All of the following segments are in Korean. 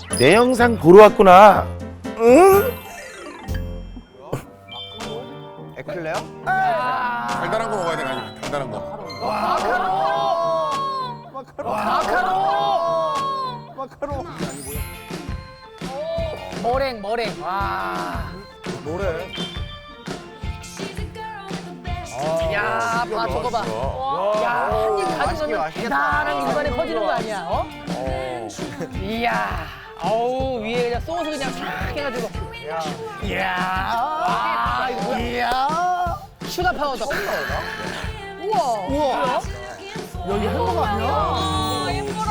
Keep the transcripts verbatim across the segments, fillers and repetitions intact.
내 영상 보러 왔구나. 응? 에클레어? 달달한 거 먹어야 돼, 아니 달달한 거. 마카롱! 마카롱! 머랭 머랭. 와. 뭐래? 야, 봐 저거 봐. 야, 한 입 가져가면 대단한 입안에 퍼지는 거 아니야? 어? 이야. 어우, 위에 그냥 소스 그냥 싹 해가지고. 이야. 와, 이거 이야. 슈가 파우더. 우와. 우와! 야, 이거 햄버거 아니야? 아, 예뻐라.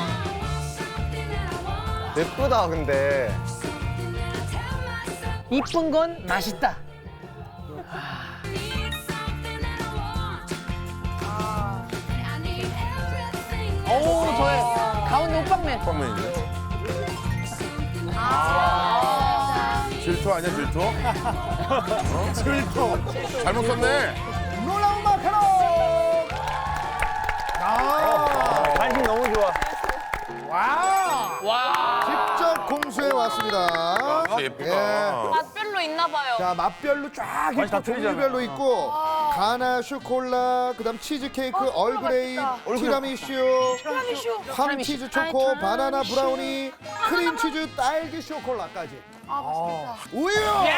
예쁘다 근데. 이쁜 건 맛있다. 어우, 저의 가운데 호빵맨. 빵맨이네. 질투 아니야 질투? 어? 질투! 잘못 썼네. 놀라운 마카롱! 아! 관심 너무 좋아. 와! 와. 직접 공수해 왔습니다. 아, 예쁘다. 맛별로 있나 봐요. 자, 맛별로 쫙 있고 다 틀리잖아. 종류별로 있고 가나 슈콜라, 그다음 치즈 케이크, 얼그레이, 티라미슈, 황 치즈 초코, 바나나 브라우니, 크림 치즈 딸기 쇼콜라까지. 아, 맛있겠다. 우유!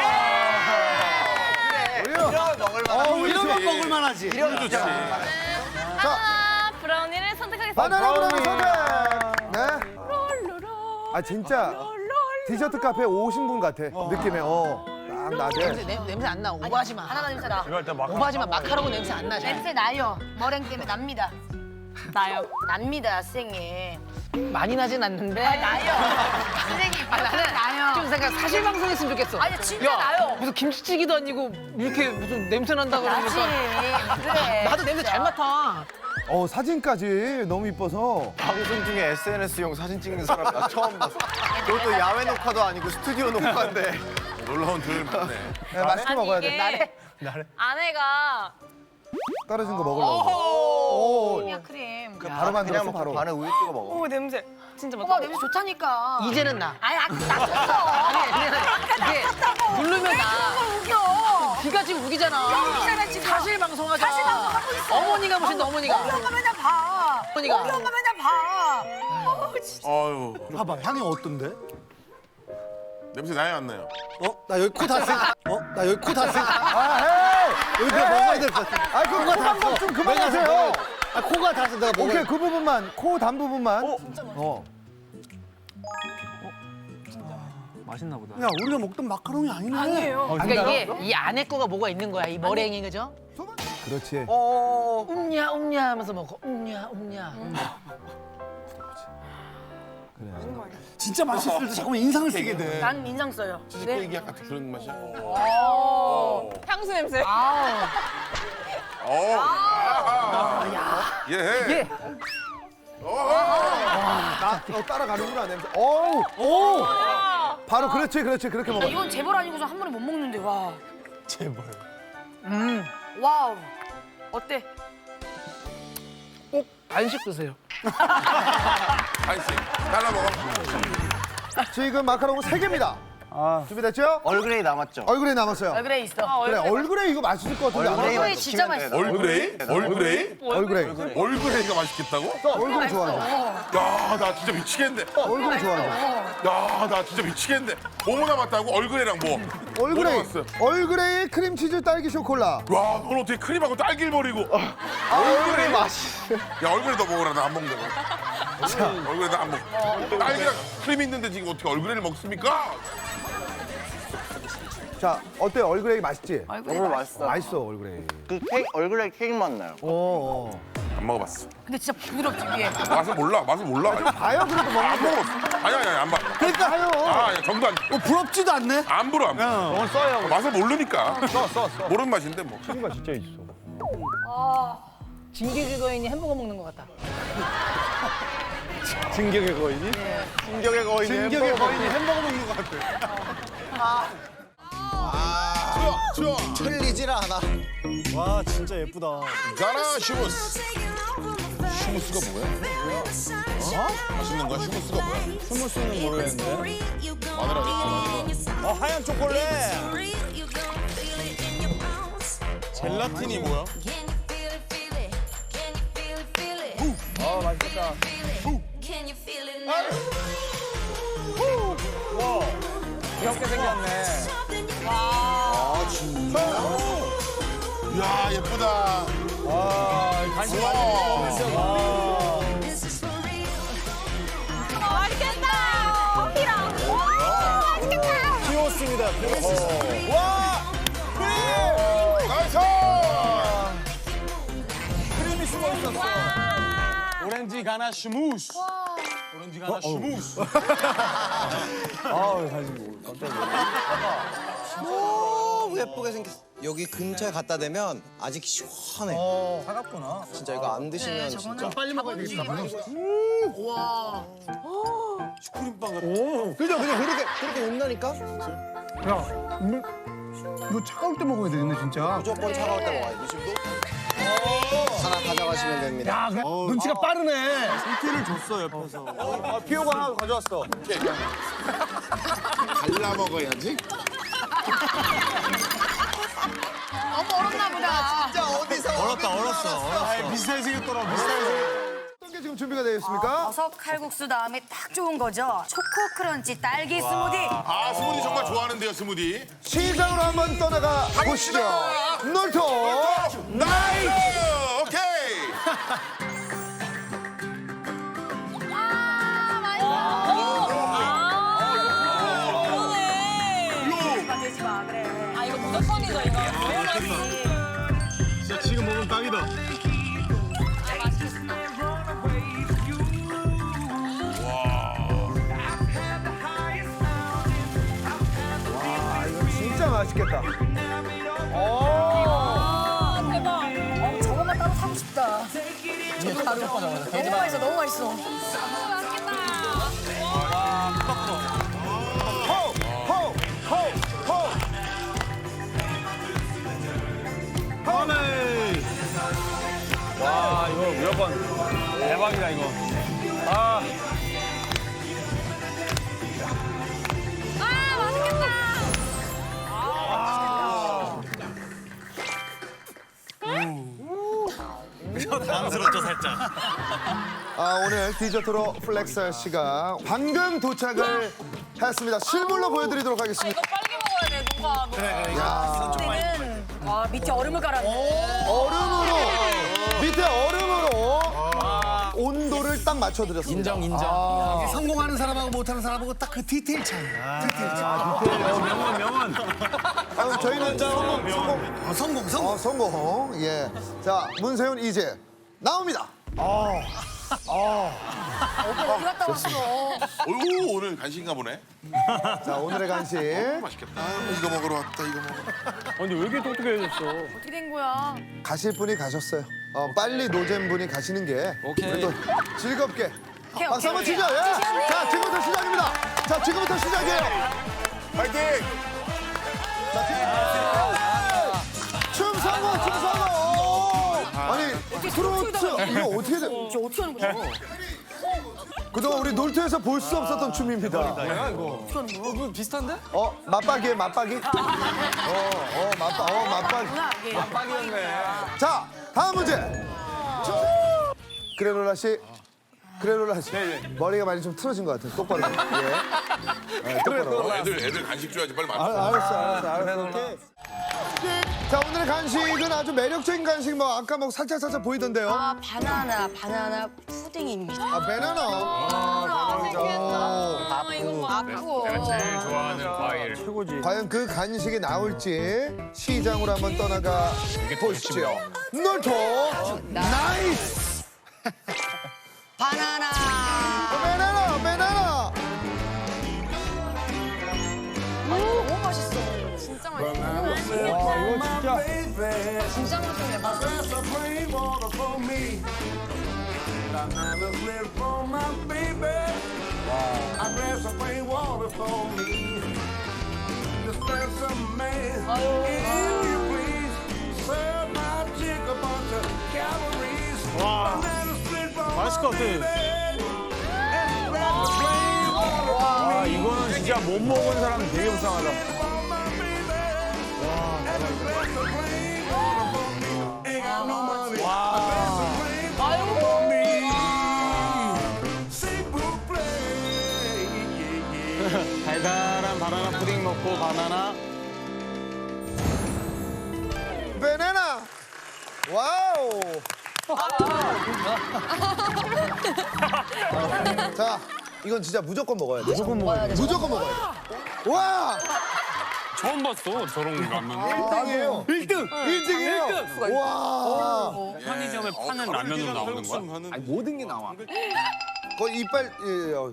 우유! 이런 먹을 어, 만한. 우유 이런 건 먹을 만하지. 이런 좋지. 바나나 브라우니를 선택하겠습니다. 바나나 브라우니 선택. 네. 아 진짜 디저트 카페 오신 분 같아. 느낌에 어. 딱 나게. 냄새, 냄새 안 나. 오버하지 마. 바나나 냄새 나. 오버하지 마. 마카롱은 냄새 안 나잖아. 냄새 나요. 머랭 때문에 납니다. 나요. 납니다, 선생님. 많이 나진 않는데. 나요. 선생님, 아, 나는 나요. 좀 생각 사실 방송했으면 좋겠어. 아니, 진짜 야, 나요. 무슨 김치찌개도 아니고 이렇게 무슨 냄새 난다 나지. 그러니까. 그래. 나도 냄새 잘 맡아. 어 사진까지 너무 이뻐서. 방송 중에 에스엔에스용 사진 찍는 사람 나 처음 봤어. 그것도 야외 녹화도 아니고 스튜디오 녹화인데. 놀라운 조율 맞네. 네, 맛있게 아니, 먹어야 이게 돼. 아내가 떨어진 거 먹으려고. 오. 크림이야, 크림. 바로 만들었어 그냥 바로. 먹고 반에 우유 찍어 먹어. 오, 냄새. 진짜 맛있다. 오빠 냄새 좋다니까. 이제는 나. 아니, 아까 났었어. 아니, 그냥 이게 누르면 나. 웃겨. 귀가 지금 우기잖아. 웃기잖아, 지금. 사실 방송하자. 사실 방송하고 있어. 어머니가 보신다, 어머니가. 우리 엄마 맨날 봐. 어머니가. 우리 엄마 맨날 봐. 어우, 진짜. 아유 봐봐 향이 어떤데? 냄새 나요 안 나요? 어? 나 여기 코 닿았어. 어? 나 여기 코 닿았어. 아, 헤이! 여기 내가 먹어야 될 것 같아. 아, 그 코 방법 좀 그만하세요. 아, 코가 닿았어. 내가 먹어야 오케이, 그 부분만. 코 단 부분만. 어? 진짜 맛있어. 어. 맛있나 보다. 야, 우리가 먹던 마카롱이 아니네. 아니에요. 그러니까 이게 이 안에 거가 뭐가 있는 거야, 이 머랭이, 그죠? 그렇지. 어. 음냐, 음냐 하면서 먹어. 음냐, 음냐. 진짜 맛있을 때 자꾸만 인상을 쓰게 돼. 난 인상 써요. 치즈케이크 얘기 약간 그런 맛이야. 향수 냄새. 아우. 어. 아, 예. 예. 나 어, 따라가는구나, 냄새. 어우, 오! 바로 그렇지, 그렇지. 그렇게 먹어. 이건 재벌 아니고서 한 번에 못 먹는데, 와. 제발. 음. 와우. 어때? 꼭 간식 드세요. 한씩 잘라 먹어. 지금 마카롱은 세 개입니다. 준비됐죠? 얼그레이 남았죠? 얼굴에 남았어요. 얼그레이 있어. 그래, 얼굴에 이거 맛있을 것 같은데. 안 얼그레이 먹어요? 얼그레이 진짜 맛있어. 얼그레이? 얼그레이? 얼굴에. 얼그레이가 맛있겠다고? 얼굴 좋아하죠. 야, 나 진짜 미치겠는데. 얼굴 좋아하죠. 야, 나 진짜 미치겠는데. 뭐 남았다고? 얼그레이랑 뭐? 뭐 얼굴에. 남았어? 얼굴에 크림치즈 딸기 쇼콜라. 와, 넌 어떻게 크림하고 딸기를 버리고? 얼그레이 맛이. 야, 얼그레이 너 먹어라. 나 안 먹는다고. 얼그레이 나 안 먹어. 딸기랑 크림 있는데 지금 어떻게 얼그레이를 먹습니까? 자, 어때요? 얼굴에 맛있지? 너무 맛있어. 맛있어, 얼굴에. 그 케이크, 얼그레이 케이크 맛 나요. 어, 어. 안 먹어봤어. 근데 진짜 부드럽지, 위에. 맛을 몰라. 맛을 몰라. 봐요, 그래도 먹는 안 거. 먹었어. 아니 아니 아니 안 봐. 그러니까 하요. 아, 야, 정도 안. 어, 부럽지도 않네. 안 불어 안 불어. 오늘 써요. 맛을 모르니까. 써, 써, 써. 모르는 맛인데 뭐. 친구가 진짜 있어. 진격의 거인이 햄버거 먹는 것 같다. 진격의 거인이? 진격의 거인이 진격의 햄버거 거인이 햄버거 먹는 것 같아. 좋아. 틀리질 않아. 와 진짜 예쁘다. 가나 슈무스. 슈무스가 뭐야? 맛있는 거야? 휴무스가 뭐야? 스무스는 모르겠는데. 마늘 아니야? 어 하얀 초콜릿. 젤라틴이 뭐야? 아 맛있겠다. 와 귀엽게 생겼네. 아 진짜? 이야 예쁘다. 와 간식 많이 먹으면서. 와. 맛있겠다. 커피랑. 와, 맛있겠다. 피오스입니다. 피오스. 와 크림. 나이스! 크림이 숨어 있었어. 오렌지 가나 슈무스. 오렌지 가나 슈무스. 아우 간식 뭐 깜짝이야. 너무 예쁘게 생겼어. 여기 근처에 갖다 대면 아직 시원해. 어 차갑구나. 진짜 이거 안 드시면 진짜. 빨리 먹어야 되겠다. 와. 슈크림빵 같아. 그죠, 그죠. 그렇게 그렇게 온다니까. 야, 물, 이거 차가울 때 먹어야 되겠네 진짜. 무조건 차가울 때 먹어야 돼. 이십도 하나 가져가시면 됩니다. 야, 눈치가 빠르네. 힌트를 줬어 옆에서. 아 피오가 하나 가져왔어. 갈라 먹어야지. 너무 어렵나 보다. 진짜 어디서 얼었다 얼었어. 아 비슷하게 생겼더라. 비슷하게 생겼. 어떤 게 지금 준비가 되어 있습니까? 버섯 칼국수 다음에 딱 좋은 거죠. 초코 크런치 딸기 스무디. 아 스무디 정말 좋아하는데요 스무디. 시장으로 한번 떠나가 보시죠. 놀토 나이스! 오케이! 되지 마 그래. 아 이거 무조건이죠 이거. 너무 맛있지. 진짜 지금 먹으면 딱이다. 진짜 맛있겠다. 아 대박. 어, 저거만 따로 사고 싶다. 너무 맛있어, 너무 맛있어. 와 이거 무조건 대박이다 이거. 아. 아, 맛있겠다. 당스럽죠 살짝. 아, 오늘 디저트로 플렉스할 시간 방금 도착을 했습니다. 실물로 보여드리도록 하겠습니다. 이거 빨리 먹어야 돼 뭔가. 그래 그래. 야, 그때는 와 밑에 얼음을 깔았네. 얼음으로 밑에 얼음으로 온도를 딱 맞춰드렸습니다. 인정 인정. 아, 성공하는 사람하고 못하는 사람하고 딱 그 디테일 차이. 디테일 차이. 명언 명언. 아, 저희는 성공, 성공, 어, 성공, 성공. 어, 성공. 예. 자, 문세윤 이제 나옵니다. 오빠 어디 갔다 왔어? 어이구 오늘 간식인가 보네. 자, 오늘의 간식. 맛있겠다. 이거 먹으러 왔다 이거 먹으러. 아니 왜 이렇게 똑똑해졌어? 어떻게 된 거야? 가실 분이 가셨어요. 어, 빨리 노잼 분이 가시는 게 오케이. 우리 또 즐겁게. 오케이, 박수 한번 오케이. 치죠. 예. 자, 지금부터 시작입니다. 자, 지금부터 시작이에요. 파이팅! 춤 성공, 춤 성공. 아니, 트로트 이거 어떻게 돼? 저 어떻게 하는 거야? 그동안 우리 놀토에서 볼 수 없었던 춤입니다. 뭐야 이거? 어, 그거 비슷한데? 어, 맞박이에요, 맞박이. 어, 어, 맞박, 어, 맞박이. 빡이었네. 자, 다음 문제. 그래놀라 씨, 그래놀라 씨. 머리가 많이 좀 틀어진 것 같아요. 똑바로. 예. 네, 똑바로. 어, 애들 애들 간식 줘야지 빨리 아, 맞춰. 알았어, 알았어, 알았어. 오케이. 자, 오늘의 간식은 아주 매력적인 간식. 뭐 아까 뭐 살짝 살짝 보이던데요. 아 바나나 바나나 푸딩입니다. 아, 바나나. 아 이거 뭐 아프고. 제일 좋아하는 과일. 최고지. 과연 그 간식이 나올지 시장으로 한번 떠나가 보시죠. 놀토 나이스. 바나나. 바나나, 바나나. 너무 맛있어. 진짜 맛있어. 와 이거 진짜. 진짜 맛있네. 맞아. 와 맛있을 것 같아. 진짜 못 먹은 사람 되게 불쌍하다. 달달한 바나나 푸딩 먹고 바나나. 바나나. 와우. 자, 이건 진짜 무조건 먹어야 돼. 무조건 먹어야 돼. 무조건 먹어야 돼. 와, 처음 봤어 저런 라면. 일 등이에요. 일 등. 일 등이에요. 와. 편의점에 파는 라면으로 나오는 거야? 아니 모든 게 나와. 거 이빨 예, 어.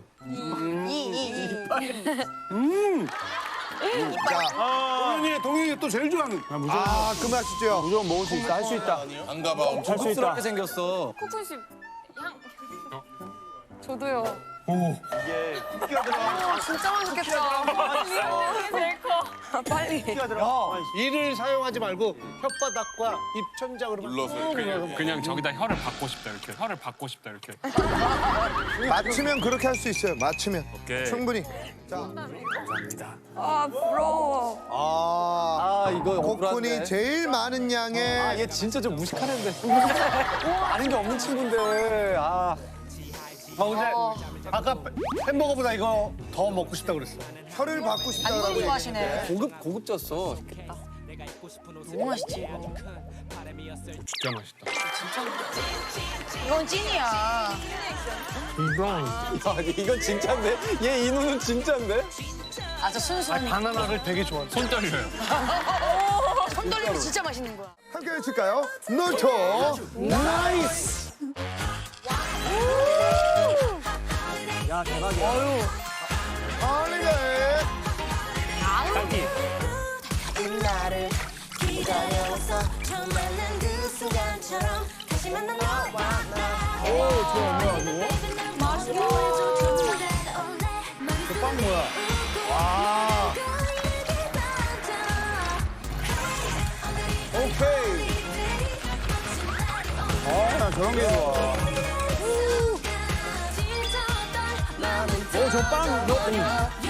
자, 동현이 동현이 또 제일 좋아하는. 아, 그 맛이죠. 무조건 먹을 수 있다. 할 수 있다. 안 가봐. 엄청 할 수 있다. 생겼어. 코쿤 씨 향. 저도요. 이게 쿠키가 들어가. 진짜 맛있겠다. 이게 제일 커. 빨리. 쿠키가 들어가. 이를 사용하지 말고 혓바닥과 입천장으로 눌러서 그냥, 그냥 저기다 혀를 받고 싶다 이렇게. 혀를 받고 싶다 이렇게. 맞추면 그렇게 할 수 있어요. 맞추면 오케이. 충분히. 자, 아 부러워. 아, 아 이거 코쿤이 제일 많은 양의 아, 얘 진짜 좀 무식한 애인데. 아는 게 없는 친구인데. 아. 아 근데 아까 햄버거보다 이거 더 먹고 싶다 그랬어. 혀를 받고 싶다고 이거 얘기했는데 좋아하시네. 고급 고급졌어. 너무 맛있지 이거. 진짜 맛있다. 이건 찐이야. 아, 이건 진짜인데? 얘 이 눈은 진짜인데? 아주 순수한. 바나나를 되게 좋아해. 손 떨려요. 손 떨리면 진짜 맛있는 거야. 함께 외칠까요? 노토 나이스. 야, 대박이야. 할리데이. 딸기. 나를 기다려왔어 처음 만난 그 순간처럼 다시 만난 너와 나. 오 좋아 뭐야 맛있어. 빵 뭐야? 와. 오케이. 아, 나 저런 게 좋아. 오, 저 빵, 너, 응.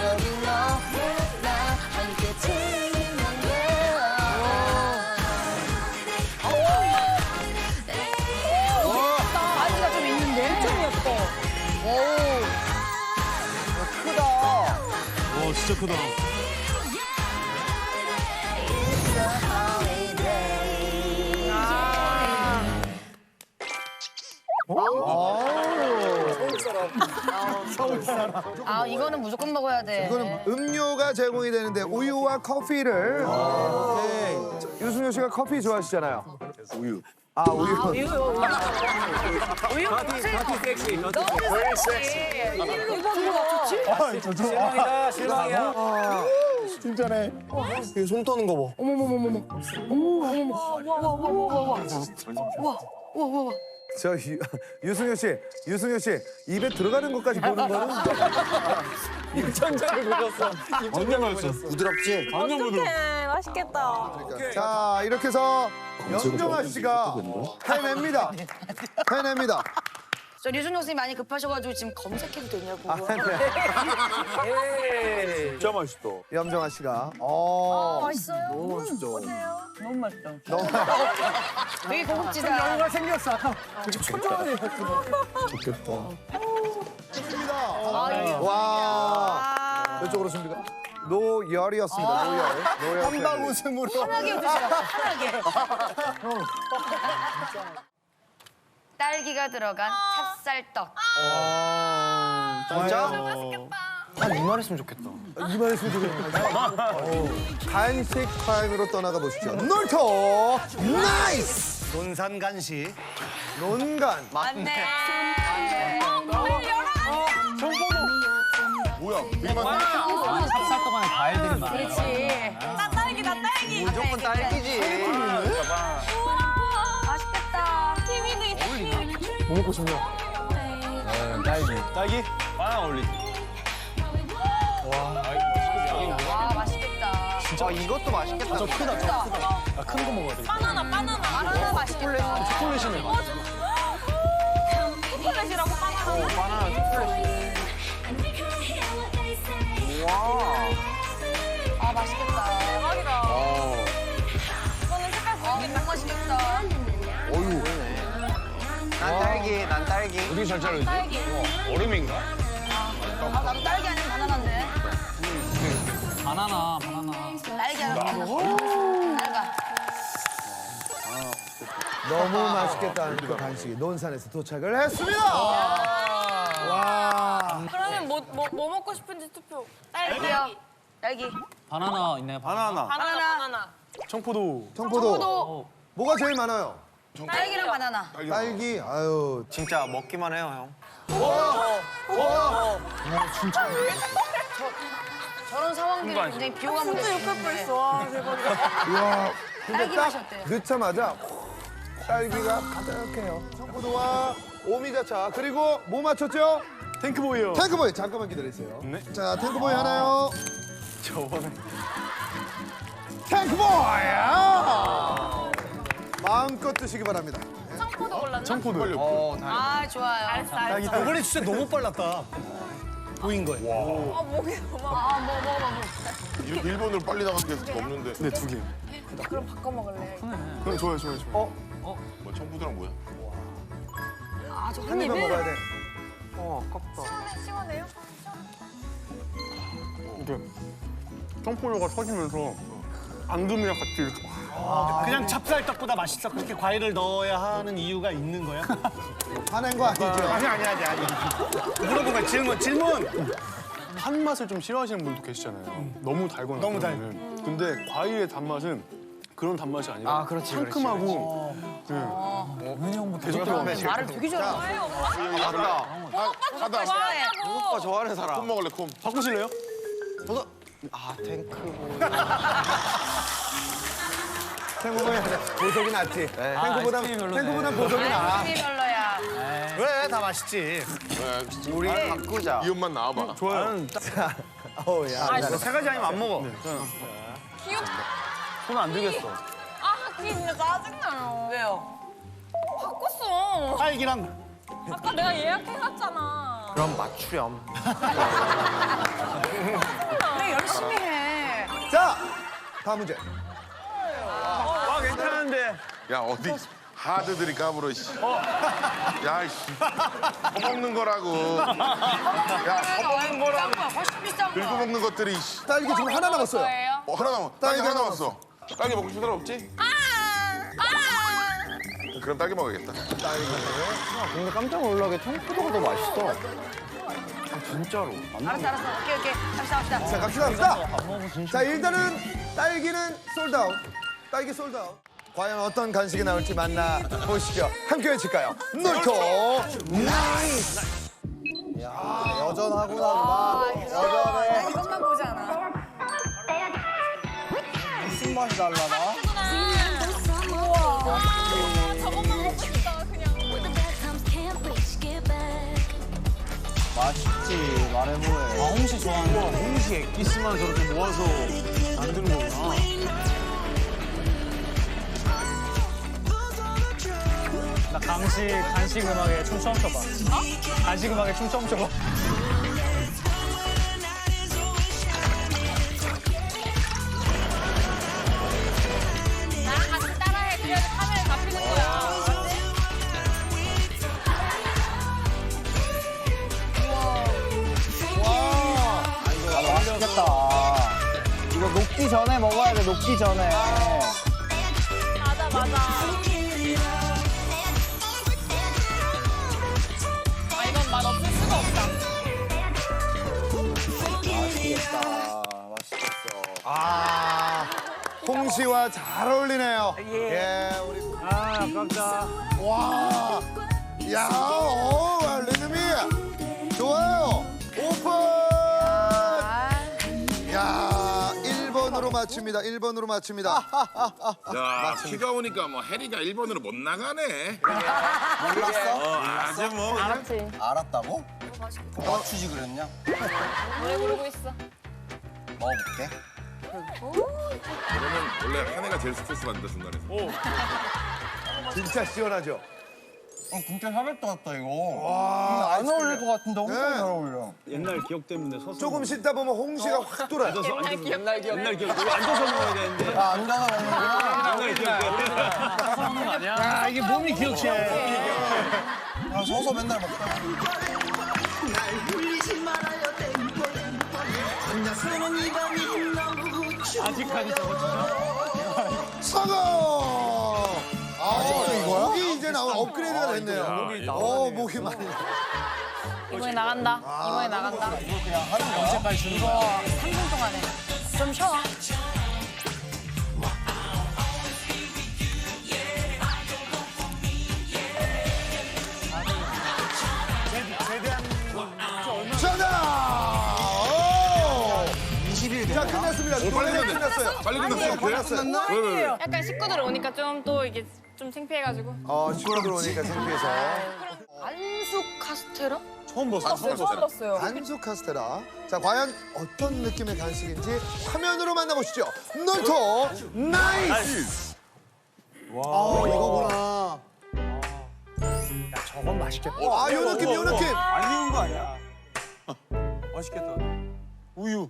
아이가 좀 있는데? 좀 예뻐. 와, 진짜 크다. 아 이거는 무조건 먹어야 돼. 이거는 음료가 제공이 되는데 우유와 커피를. 오케이. 유승효 씨가 커피 좋아하시잖아요. 우유. 아 우유. 우유, 우유. 파티, 파티 섹시. 너무 섹시. 일로 좋지? 실망이다, 실망이야. 진짜네. 손 떠는 거 봐. 어머머머머머. 어머머머머. 와와와와와와와와와. 저 유, 유승효 씨, 유승효 씨 입에 들어가는 것까지 보는 거는 입천장을 보셨어. 입천장을 보셨어. 부드럽지. 완전 부드러워. 어떡해. 맛있겠다. 자 이렇게 해서 염정아 씨가 해냅니다. 해냅니다. 저 류준호 선생님 많이 급하셔가지고 지금 검색해도 되냐고. 아, 네. 진짜 맛있다. 염정아 씨가. 어. 맛있어요? 너무 맛있죠. 너무 맛있다. 너무 되게 고급지다. 여유가 생겼어. 아까 초조하네. 좋습니다. 아유. 와. 이쪽으로 씁니까? 노열이었습니다. 노열. 노열. 한방 웃음으로. 편하게 드세요. 편하게. 딸기가 들어간 찹쌀떡. 진짜? 맛있겠다. 한 이만했으면 좋겠다. 이만했으면 좋겠네. 간식 타임으로 떠나가 보시죠. 놀토 나이스. 논산 간식. 논간. 맞네. 어, 뭐야? 되게 많아. 찹쌀떡 안에 과일들이 많아. 그렇지. 나 딸기다 딸기. 무조건 딸기지. 우와 맛있겠다. 키위도 있어. 키위. 뭐 먹고 싶냐? 딸기. 딸기? 바나나 어울리지. 와 맛있겠다. 아 이것도 맛있겠다. 저 크다. 크다. 큰 거 먹어야 돼. 바나나 바나나. 바나나 맛있겠다. 초콜릿이네. 초콜릿이라고 바나나. 바나나 초콜릿. 아 맛있겠다. 대박이다. 이거는 색깔 보이겠다. 너무 맛있겠다. 난 딸기, 난 딸기. 어떻게 잘 자르지? 딸기. 얼음인가? 아 나도 딸기 아니면 바나나인데. 바나나 바나나. 딸기 아니면 바나나. 너무 맛있겠다는 그 간식이 논산에서 도착을 했습니다. 와. 그러면 뭐, 뭐, 뭐 먹고 싶은지 투표. 딸기요. 딸기. 바나나 있나요? 바나나. 바나나, 바나나. 청포도. 청포도. 뭐가 제일 많아요? 딸기랑 바나나. 딸기. 아유. 진짜 먹기만 해요, 형. 저런 상황들이 굉장히 비호감을 진짜 욕할 뻔했어. 와, 대박이다. 이야. 근데 딸기 딱 맛이 어때요? 넣자마자 딸기가 가득해요. 청포도와 오미자차 그리고 뭐 맞췄죠? 탱크보이요. 탱크보이 잠깐만 기다리세요. 자 탱크보이 하나요. 저번에. 탱크보이. 아! 마음껏 드시기 바랍니다. 청포도 골랐나? 청포도. 어, 아 좋아요. 알았어, 알았어. 이번에 진짜 너무 빨랐다. 보인 거예요. 아, 목이 너무 아파. 아 뭐 먹어봐 뭐. 일- 일본으로 빨리 나간 게 없는데. 네, 두 개. 그럼 바꿔 먹을래. 그럼 좋아요, 좋아요, 좋아요. 뭐 청포도랑 뭐야? 아, 저 한 한 입만 입에? 먹어야 돼. 어, 아깝다. 시원해요? 이게 청포도가 터지면서 앙금이랑 같이 이렇게. 그냥 찹쌀떡보다 맛있어. 그렇게 과일을 넣어야 하는 이유가 있는 거야? 화낸 거 아니죠? 아니 아니 아니 아니. 물어본 거야. 질문 질문. 한 맛을 좀 싫어하시는 분도 계시잖아요. 너무 달거나. 너무 달. 그러면은. 근데 과일의 단맛은 그런 단맛이 아니라 아, 그렇지, 그렇지, 상큼하고 네. 계속 들어가면 말을 되게 잘해. 간다. 가다. 오빠 좋아하는 사람. 콤 먹을래 콤. 바꾸실래요? 보다. 아, 탱크보이. 탱크보이 하자. 보석이 낫지. 탱크보다 탱크보다 보석이 나. 아이스크림이 별로야. 왜? 다 맛있지. 네, 우리 바꾸자. 이 옷만 나와봐. 좋아요. 어우 야. 세 가지 아니면 안 먹어. 귀엽. 손 안 들겠어. 아, 그게 진짜 짜증나요. 왜요? 바꿨어. 딸기랑 아까 내가 예약해놨잖아. 그럼 맞추렴. 그래 열심히 해. 자 다음 문제. 아, 괜찮은데. 야 어디 하드들이 까불어 씨. 야 씨. 퍼먹는 거라고. 야 퍼먹는 거라고. 비싼 거야. 훨씬 비싼 긁고 거. 먹는 것들이 씨. 딸기 지금 하나 남았어요. 거예요? 어 하나 남았. 딸기 하나 남았어. 딸기 먹고 싶은 사람 없지? 아! 아! 그럼 딸기 먹어야겠다. 근데 깜짝 놀라게 청포도가 더 맛있어. 아, 진짜로. 알았어 알았어. 오케이 오케이. 갑시다 갑시다. 자 갑시다 갑시다. 자 일단은 딸기는 솔드아웃. 딸기 솔드아웃. 과연 어떤 간식이 나올지 만나 보시죠. 함께 외칠까요? 놀토 나이스. 야 여전하구나 누나. 여전해. 이것만 보지 않아. 무슨 맛이 달라나? 우와. 저것만 먹고 싶다, 그냥. 맛있지. 말해 뭐해. 아 홍시 좋아하는 거. 홍시 엑기스만 저렇게 모아서 만드는 거구나. 나 강식 간식 음악에 춤 처음 춰봐. 어? 간식 음악에 춤 처음 춰봐. 나랑 같이 따라해. 그래야지 카메라 잡히는 거야. 맛있겠다. 이거 녹기 전에 먹어야 돼, 녹기 전에. 맞아, 맞아. 아, 이건 맛 없을 수가 없다. 맛있겠다. 맛있겠어. 아 홍시와 잘 어울리네요. 예 우리 아, 깜짝. 와. 야 어, 리듬이 좋아요. 오픈. 야 일 번으로 맞춥니다. 일 번으로 맞춥니다. 야 비가 오니까 뭐 해리가 일 번으로 못 나가네. 몰랐어? 어, 아주 뭐. 알았지. 알았다고? 맞추지 그랬냐? 노래 부르고 있어. 먹어볼게. 그러면 원래 한 해가 제일 스트레스 받는다 중간에서. 진짜 시원하죠. 어, 진짜 샤베트 같다 이거. 안 어울릴 것 같은데 엄청 네. 잘 어울려. 옛날 기억 때문에 서서. 조금 씻다 보면 홍시가 확 돌아요. 옛날 기억. 옛날 기억. 옛날 기억. 여기 앉아서 먹어야 되는데. 아, 앉아서 먹는구나. 옛날 기억. 서서 먹는 거 아니야? 아, 이게 몸이 기억해. 아, 서서 맨날 먹다. 아직까지 저거 성공! 아, 이거야? 목이 이제 나온 업그레이드가 됐네요. 어, 목이 많이. 이번에 나간다. 이번에 나간다. 언제까지 주는 거야? 삼 분 동안에 좀 쉬어. 정답! 오! 자, 끝났습니다. 노래가 끝났어요. 빨리 끝났어. 끝났어요. 왜, 왜, 왜? 약간 식구들 오니까 좀 또 이게 좀 창피해가지고. 어, 시골 들어오니까 창피해서. 안수 카스테라? 처음 봤어. 처음 봤어. 안수 카스테라. 자, 과연 어떤 느낌의 간식인지 화면으로 만나보시죠. 놀토 나이스! 와, 이거구나. 저건 맛있겠다. 아, 요 느낌, 요 느낌. 안 익은 거 아니야? 맛있겠다. 우유.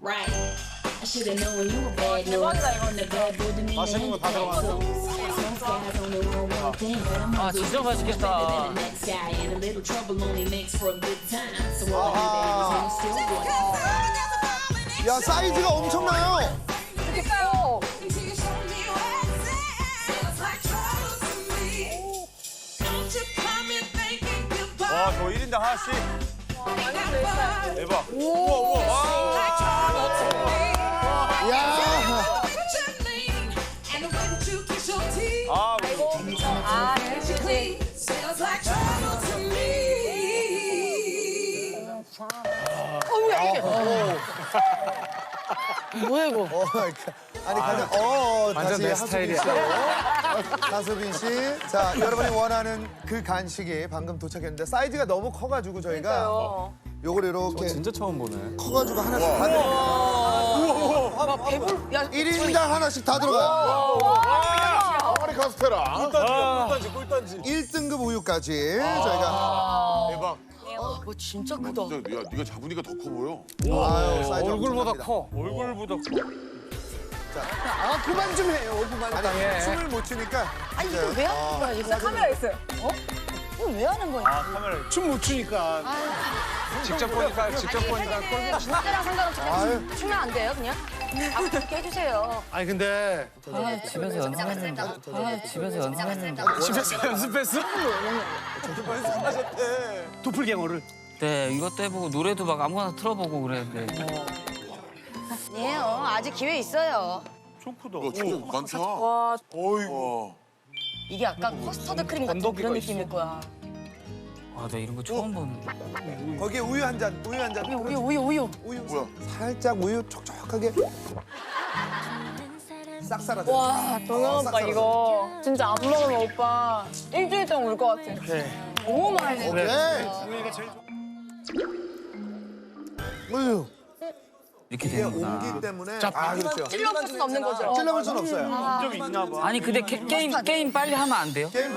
맛있는 거 다 들어갔어. 아 진짜 맛있겠다. 야, 사이즈가 엄청나요. 그니까요. 와, 저 일 인당 하나씩. 대박. 야, 아, 아, 그치. 뭐야 이거? 어, 아니 가장 어 다시 내 하수빈 씨, 하수빈 씨. 자, 여러분이 원하는 그 간식이 방금 도착했는데 사이즈가 너무 커가지고 저희가 요걸 이렇게 진짜 처음 보네. 커가지고 하나씩 다 들어가요. 아, 배불. 야, 일 인당 하나씩 다 들어가요. 아마리 카스테라. 꿀단지, 꿀단지. 일 등급 우유까지 저희가 대박. 이거 진짜 크다. 진짜 야, 네가 잡으니까 더 커 보여. 아유, 사이즈 얼굴보다 엄청납니다. 커. 얼굴보다 아, 그만 좀 해요. 그만. 아니, 춤을 못 추니까. 아니 이거 왜 하는 거야 이거? 카메라 있어요. 어? 이거 왜 하는 거야? 아, 카메라. 춤 못 추니까. 직접 보니까, 직접 보니까 꿀. 진짜랑 상관없이 그냥 아유. 추면 안 돼요 그냥? 아 그렇게 해주세요. 아니 근데 아 집에서 연습했는데. 아 집에서 연습했는데. 집에서 연습했어? 도플갱어를. 네 이것도 해보고 노래도 막 아무거나 틀어보고 그랬는데. 예, 어, 아직 기회 있어요. 어, 진짜 많다. 와, 어이구. 이게 약간 커스터드 크림 같은 그런 느낌일 거야. 아 나 이런 거 처음 보는데. 거기에 우유 한 잔, 우유 한 잔. 우유 우유 우유. 우유. 뭐야? 살짝 우유 촉촉하게. 싹 살아. 와, 동현 오빠 싹 이거 진짜 안 먹으면 오빠 일주일 동안 울 것 같아. 너무 맛있어. 오케이. 우유. 이렇게 이게 되는구나. 온기 때문에. 아, 그렇죠. 찔러볼 수는 없는 거죠. 찔러볼 순 없어요. 좀 있나 봐. 아니 근데 게, 게임 게임 빨리 하면 안 돼요? 게임.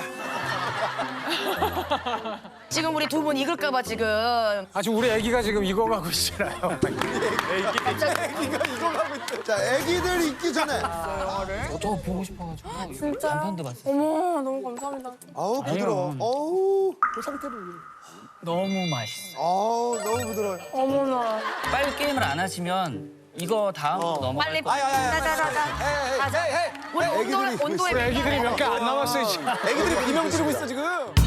지금 우리 두 분 익을까봐 지금. 아 지금 우리 애기가 지금 익어가고 있잖아요. 애기가 이거 가고 있대. 자, 애기들 있기 전에. 저 보고 싶어가지고. 진짜? 남편도 봤어. 어머, 너무 감사합니다. 아우, 부드러워. 어우, 그 상태로. 너무 맛있어. 아우, 너무 부드러워요. 어머나. 빨리 게임을 안 하시면 이거 다음으로 넘어갈 빨리. 거예요. 자자자자. 가자. 우리 온도 애기들이 온도에. 애기들이 몇 개 안 남았어요 지금. 애기들이 비명 지르고 있어, 지금.